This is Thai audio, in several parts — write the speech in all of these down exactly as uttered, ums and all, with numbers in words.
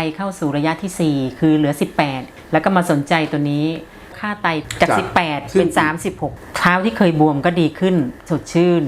เข้าสู่ระยะที่สี่คือเหลือสิบแปดแล้วก็มาสนใจตัวนี้ค่าไตจากสิบแปดเป็นสามสิบหกเท้าที่เคยบวมก็ดีขึ้นสดชื่น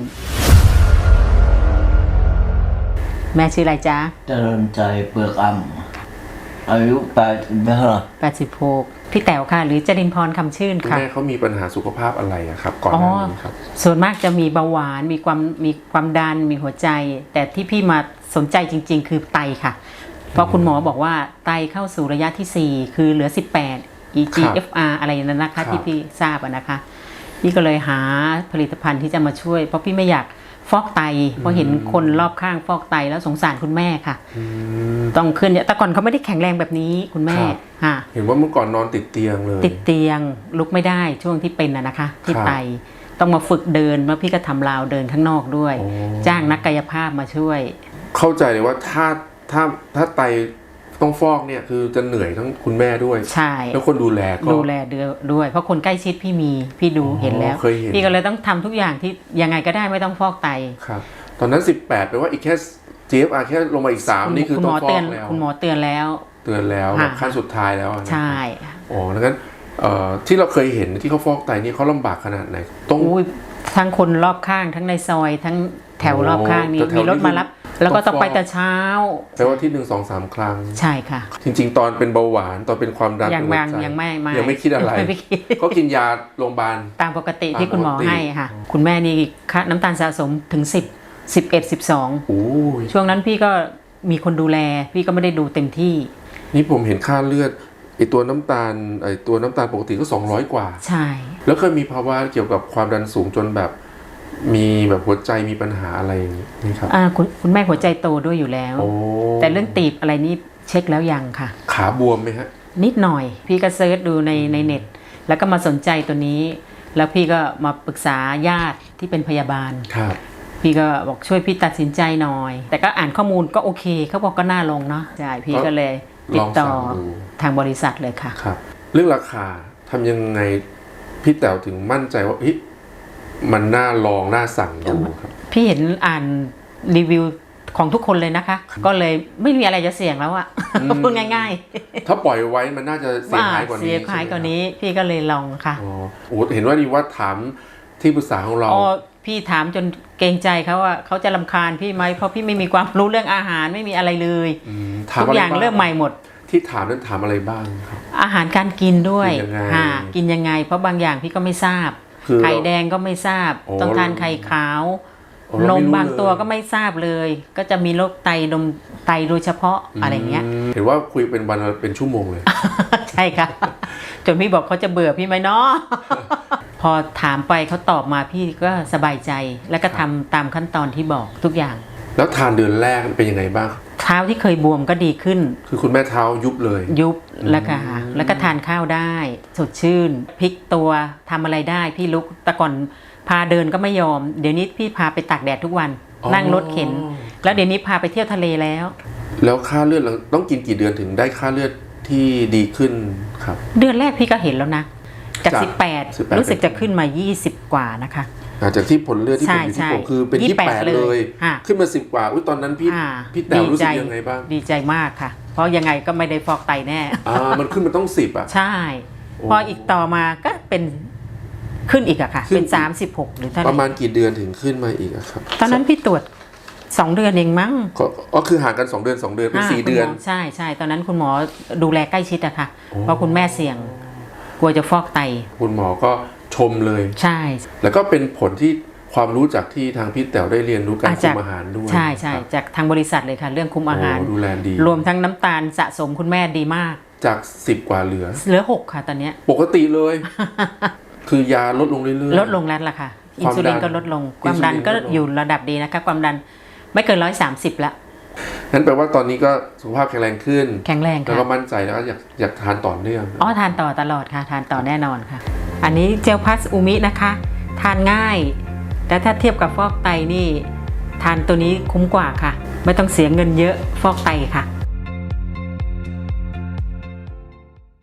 แม่ชื่ออะไรจ๊ะเจริญใจเปลือกอ่ำอายุแปดเท่าไหร่แปดสิบหกพี่แต๋วค่ะหรือจรินพรคำชื่นค่ะแม่เขามีปัญหาสุขภาพอะไรอะครับก่อนหน้านี้ครับส่วนมากจะมีเบาหวานมีความมีความดันมีหัวใจแต่ที่พี่มาสนใจจริงๆคือไตค่ะเพราะคุณหมอบอกว่าไตเข้าสู่ระยะที่สี่คือเหลือสิบแปด อี จี เอฟ อาร์ อะไรนั่นนะคะที่พี่ทราบนะคะพี่ก็เลยหาผลิตภัณฑ์ที่จะมาช่วยเพราะพี่ไม่อยากฟอกไตเพราะเห็นคนรอบข้างฟอกไตแล้วสงสารคุณแม่ค่ะต้องขึ้นแต่ก่อนเขาไม่ได้แข็งแรงแบบนี้คุณแม่ค่ะเห็นว่าเมื่อก่อนนอนติดเตียงเลยติดเตียงลุกไม่ได้ช่วงที่เป็นน่ะนะคะที่ไตต้องมาฝึกเดินแล้วพี่ก็ทำราวเดินข้างนอกด้วยจ้างนักกายภาพมาช่วยเข้าใจเลยว่าถ้าถ้าถ้าไตต้องฟอกเนี่ยคือจะเหนื่อยทั้งคุณแม่ด้วยใช่แล้วคนดูแลก็ดูแลด้วยเพราะคนใกล้ชิดพี่มีพี่ดูเห็นแล้วพี่ก็เลยต้องทำทุกอย่างที่ยังไงก็ได้ไม่ต้องฟอกไตครับตอนนั้นสิบแปดแปลว่าอีกแค่ จี เอฟ อาร์ แค่ลงมาอีกสามนี่คือต้องฟอกแล้วคุณหมอเตือนแล้วเตือนแล้วขั้นสุดท้ายแล้วใช่อ๋อดังนั้นที่เราเคยเห็นที่เขาฟอกไตนี่เขาลำบากขนาดไหนต้องทั้งคนรอบข้างทั้งในซอยทั้งแถวรอบข้างนี่มีรถมารับแล้วก็ต้องไปแต่เช้าแปลว่าที่หนึ่งสองสามครั้งใช่ค่ะจริงๆตอนเป็นเบาหวานตอนเป็นความดันยังยังยังไม่ยังไม่คิดอะไรก็กินยาโรงพยาบาลตามปกติที่คุณหมอให้ค่ะคุณแม่นี่ค่าน้ำตาลสะสมถึงสิบ สิบเอ็ด สิบสองช่วงนั้นพี่ก็มีคนดูแลพี่ก็ไม่ได้ดูเต็มที่นี่ผมเห็นค่าเลือดไอตัวน้ำตาลไอตัวน้ำตาลปกติก็สองร้อยกว่าใช่แล้วเคยมีภาวะเกี่ยวกับความดันสูงจนแบบมีแบบหัวใจมีปัญหาอะไรอย่างนี้ครับอ่าคุณคุณแม่หัวใจโตด้วยอยู่แล้วแต่เรื่องตีบอะไรนี่เช็คแล้วยังค่ะขาบวมไหมฮะนิดหน่อยพี่ก็เซิร์ชดูในในเน็ตแล้วก็มาสนใจตัวนี้แล้วพี่ก็มาปรึกษาญาติที่เป็นพยาบาลครับพี่ก็บอกช่วยพี่ตัดสินใจหน่อยแต่ก็อ่านข้อมูลก็โอเคเขาบอกก็น่าลงเนาะใช่พี่ก็เลยติดต่อทางบริษัทเลยค่ะครับเรื่องราคาทำยังไงพี่แต๋วถึงมั่นใจว่ามันน่าลองน่าสั่งดูครับพี่เห็นอ่านรีวิวของทุกคนเลยนะคะก็เลยไม่มีอะไรจะเสี่ยงแล้วอะพูดง่ายๆถ้าปล่อยไว้มันน่าจะเสียหายกว่านี้เสียหายกว่านี้พี่ก็เลยลองค่ะอ๋อโอ้เห็นว่าดีว่าถามที่ปรึกษาของเราอ๋อพี่ถามจนเกรงใจเขาว่าเขาจะรำคาญพี่ไหมเพราะพี่ไม่มีความรู้เรื่องอาหารไม่มีอะไรเลยทุกอย่างเริ่มใหม่หมดที่ถามนั้นถามอะไรบ้างครับอาหารการกินด้วยค่ะกินยังไงเพราะบางอย่างพี่ก็ไม่ทราบไข่แดงก็ไม่ทราบต้องทานไข่ขาวนมบางตัวก็ไม่ทราบเลยก็จะมีโรคไตนมไตโดยเฉพาะอะไรเงี้ยเห็นว่าคุยเป็นวันเป็นชั่วโมงเลยใช่ค่ะจนพี่บอกเขาจะเบื่อพี่ไหมเนาะพอถามไปเขาตอบมาพี่ก็สบายใจแล้วก็ทำตามขั้นตอนที่บอกทุกอย่างแล้วทานเดือนแรกเป็นยังไงบ้างเท้าที่เคยบวมก็ดีขึ้นคือคุณแม่เท้ายุบเลยยุบแล้วค่ะแล้วก็ทานข้าวได้สดชื่นพลิกตัวทำอะไรได้พี่ลุกแต่ก่อนพาเดินก็ไม่ยอมเดี๋ยวนี้พี่พาไปตากแดดทุกวันนั่งรถเข็นแล้วเดี๋ยวนี้พาไปเที่ยวทะเลแล้วแล้วค่าเลือดเราต้องกินกี่เดือนถึงได้ค่าเลือดที่ดีขึ้นครับเดือนแรกพี่ก็เห็นแล้วนะจากสิบแปดรู้สึกจะขึ้นมายี่สิบกว่านะคะจากที่ผลเลือดที่ผมอยู่ที่ผมคือเป็นยี่สิบแปดเลยขึ้นมาสิบกว่าอุ๊ยตอนนั้นพี่พี่แต๋วรู้สึกยังไงบ้างดีใจมากค่ะเพราะยังไงก็ไม่ได้ฟอกไตแน่อ่ามันขึ้นมาต้องสิบอ่ะใช่พออีกต่อมาก็เป็นขึ้นอีกอะค่ะเป็นสามสิบหกหรือเท่าไหร่ประมาณกี่เดือนถึงขึ้นมาอีกอะครับตอนนั้นพี่ตรวจสองเดือนเองมั้งก็คือห่างกันสองเดือนสองเดือนเป็นสี่เดือนใช่ใช่ตอนนั้นคุณหมอดูแลใกล้ชิดอะค่ะเพราะคุณแม่เสี่ยงกลัวจะฟอกไตคุณหมอก็ชมเลยใช่แล้วก็เป็นผลที่ความรู้จากที่ทางพี่แต๋วได้เรียนรู้การคุมอาหารด้วยใช่ใช่จากทางบริษัทเลยค่ะเรื่องคุมอาหารดูแลดีรวมทั้งน้ำตาลสะสมคุณแม่ดีมากจากสิบกว่าเหลือเหลือหกค่ะตอนนี้ปกติเลยคือยาลดลงเรื่อยๆลดลงแล้วล่ะค่ะอินซูลินก็ลดลงความดันก็อยู่ระดับดีนะคะความดันไม่เกินร้อยสามสิบละนั่นแปลว่าตอนนี้ก็สุขภาพแข็งแรงขึ้นแข็งแรงค่ะแล้วก็มั่นใจแล้วก็อยากอยากทานต่อเนื่องอ๋อทานต่อตลอดค่ะทานต่อแน่นอนค่ะอันนี้เจลพัสอูมินะคะทานง่ายแต่ถ้าเทียบกับฟอกไตนี่ทานตัวนี้คุ้มกว่าค่ะไม่ต้องเสียเงินเยอะฟอกไตค่ะ